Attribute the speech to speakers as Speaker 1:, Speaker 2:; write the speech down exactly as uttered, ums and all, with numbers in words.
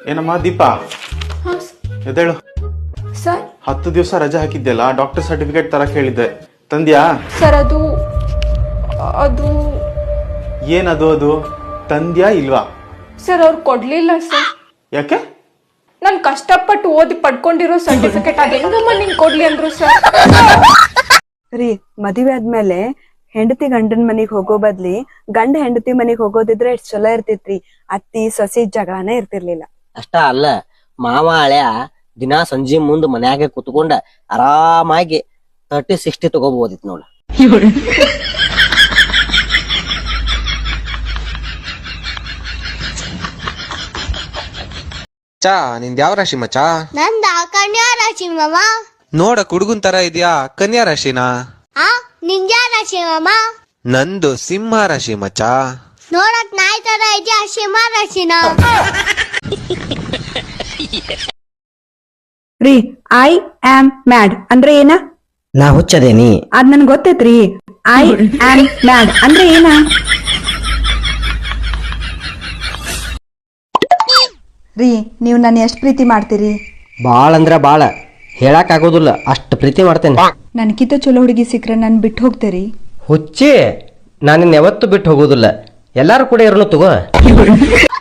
Speaker 1: ಏನಮ್ಮ ದೀಪಾ ಎದ್ದೇಳು.
Speaker 2: ಸರ್
Speaker 1: ಹತ್ತು ದಿವಸ ರಜೆ ಹಾಕಿದ್ದೆಲ್ಲ ಡಾಕ್ಟರ್ ಸರ್ಟಿಫಿಕೇಟ್ ತರ ಕೇಳಿದ್ದೆ, ತಂದ್ಯಾ?
Speaker 2: ಸರ್ ಅದು ಅದು
Speaker 1: ಏನದು? ಅದು ತಂದ್ಯಾ ಇಲ್ವಾ?
Speaker 2: ಸರ್ ಅವ್ರು ಕೊಡ್ಲಿಲ್ಲ ಸರ್.
Speaker 1: ಯಾಕೆ?
Speaker 2: ನಾನು ಕಷ್ಟಪಟ್ಟು ಓದಿ ಪಡ್ಕೊಂಡಿರೋ ಸರ್ಟಿಫಿಕೇಟ್ ಅದು ಹೆಂಗಮ್ಮ ನಿಂಗೆ ಕೊಡ್ಲಿ ಅಂದ್ರು ಸರ್.
Speaker 3: ರೀ ಮದುವೆ ಆದ್ಮೇಲೆ ಹೆಂಡತಿ ಗಂಡನ ಮನಿಗ್ ಹೋಗೋ ಬದ್ಲಿ ಗಂಡ ಹೆಂಡತಿ ಮನಿಗ್ ಹೋಗೋದಿದ್ರೆ ಎಷ್ಟ್ ಚಲೋ ಇರ್ತಿತ್ರಿ. ಅತ್ತಿ ಸೊಸಿ ಜಗಳನೇ ಇರ್ತಿರ್ಲಿಲ್ಲ.
Speaker 4: ಅಷ್ಟ ಅಲ್ಲ, ಮಾವ ಹಳೆಯ ದಿನಾ ಸಂಜೆ ಮುಂದ್ ಮನ್ಯಾಗೆ ಕುತ್ಕೊಂಡ ಆರಾಮಾಗಿ ತರ್ಟಿ ಸಿಕ್ಸ್ಟಿ ತಗೋಬಹುದಿತ್ತು ನೋಡ.
Speaker 5: ಚಾ ನಿಂದ ಯಾವ ರಾಶಿ ಮಚ್ಚಾ?
Speaker 6: ನಂದ ಕನ್ಯಾ ರಾಶಿ ಮಾಮ.
Speaker 5: ನೋಡ ಕುಡುಗುನ್ ತರ ಇದೆಯಾ, ಕನ್ಯಾ ರಾಶಿನಾ?
Speaker 6: ಆ ನಿಂಜ ರಾಶಿ ಮಾಮ.
Speaker 5: ನಂದು ಸಿಂಹ ರಾಶಿ ಮಚ್ಚಾ.
Speaker 6: ನೋಡಕ್ ನಾಯಿ ತರ ಇದೆಯಾ, ಸಿಂಹ ರಾಶಿನ?
Speaker 3: ರೀ ಐ ಆಮ್ ಮ್ಯಾಡ್ ಅಂದ್ರೆ ಏನ?
Speaker 4: ನಾ ಹುಚ್ಚದೇನಿ.
Speaker 3: ಅದ್ ನನ್ ಗೊತ್ತೈತ್ರಿ. ಐ ಆಮ್ ಮ್ಯಾಡ್ ಅಂದ್ರೆ ಏನ?
Speaker 7: ರೀ ನೀವು ನನ್ನ ಎಷ್ಟು ಪ್ರೀತಿ ಮಾಡ್ತೀರಿ?
Speaker 4: ಬಾಳ ಅಂದ್ರ ಬಾಳ, ಹೇಳಕ್ ಆಗೋದಿಲ್ಲ ಅಷ್ಟ್ ಪ್ರೀತಿ ಮಾಡ್ತೇನೆ.
Speaker 7: ನನ್ಕಿಂತ ಚಲೋ ಹುಡುಗಿ ಸಿಕ್ಕ್ರೆ ನನ್ ಬಿಟ್ಟು ಹೋಗ್ತೀರಿ?
Speaker 4: ಹುಚ್ಚಿ, ನಾನು ಯಾವತ್ತೂ ಬಿಟ್ಟು ಹೋಗೋದಿಲ್ಲ, ಎಲ್ಲಾರು ಕೂಡ ಇರೋನು ತಗೋ.